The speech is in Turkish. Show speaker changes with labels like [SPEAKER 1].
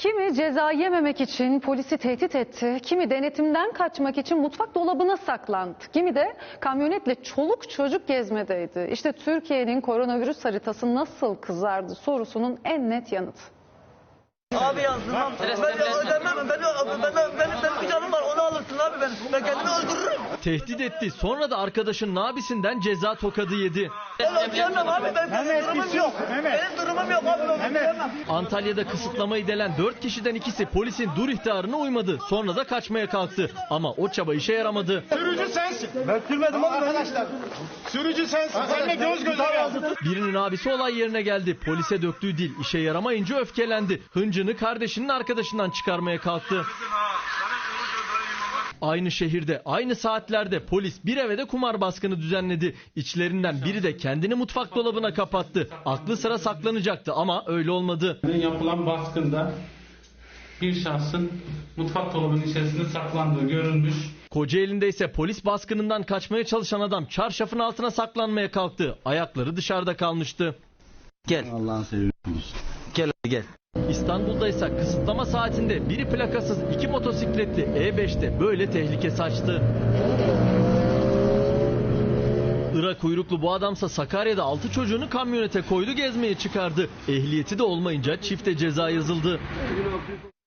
[SPEAKER 1] Kimi ceza yememek için polisi tehdit etti, kimi denetimden kaçmak için mutfak dolabına saklandı, kimi de kamyonetle çoluk çocuk gezmedeydi. İşte Türkiye'nin koronavirüs haritası nasıl kızardı sorusunun en net yanıtı.
[SPEAKER 2] Abi yansımam. Ben ödemem. Benim bir canım var. Onu alırsın abi ben. Ben kendimi öldürürüm.
[SPEAKER 3] Tehdit etti. Sonra da arkadaşının abisinden ceza tokadı yedi.
[SPEAKER 2] Ben ödeyemem abi. Benim durumum yok. Benim durumum yok abi. Ben ödeyemem.
[SPEAKER 3] Antalya'da kısıtlamayı delen 4 kişiden ikisi polisin dur ihtarına uymadı. Sonra da kaçmaya kalktı. Ama o çaba işe yaramadı.
[SPEAKER 4] Sürücü sensin.
[SPEAKER 2] Ben sürmedim abi.
[SPEAKER 4] Arkadaşlar. Sürücü sensin. Seninle göz göze geldik.
[SPEAKER 3] Birinin abisi olay yerine geldi. Polise döktüğü dil işe yaramayınca öfkelendi. Hıncını kardeşinin arkadaşından çıkarmaya kalktı. Aynı şehirde, aynı saatlerde polis bir eve de kumar baskını düzenledi. İçlerinden biri de kendini mutfak dolabına kapattı. Aklı sıra saklanacaktı ama öyle olmadı.
[SPEAKER 5] Yapılan baskında bir şahsın mutfak dolabının içerisinde saklandığı görülmüş.
[SPEAKER 3] Kocaeli'nde ise polis baskınından kaçmaya çalışan adam çarşafın altına saklanmaya kalktı. Ayakları dışarıda kalmıştı.
[SPEAKER 6] Gel. Allah'ını seviyorsunuz. Gel gel.
[SPEAKER 3] İstanbul'da ise kısıtlama saatinde biri plakasız 2 motosikletli E5'te böyle tehlike saçtı. Irak kuyruklu bu adamsa Sakarya'da 6 çocuğunu kamyonete koydu, gezmeye çıkardı. Ehliyeti de olmayınca çifte ceza yazıldı.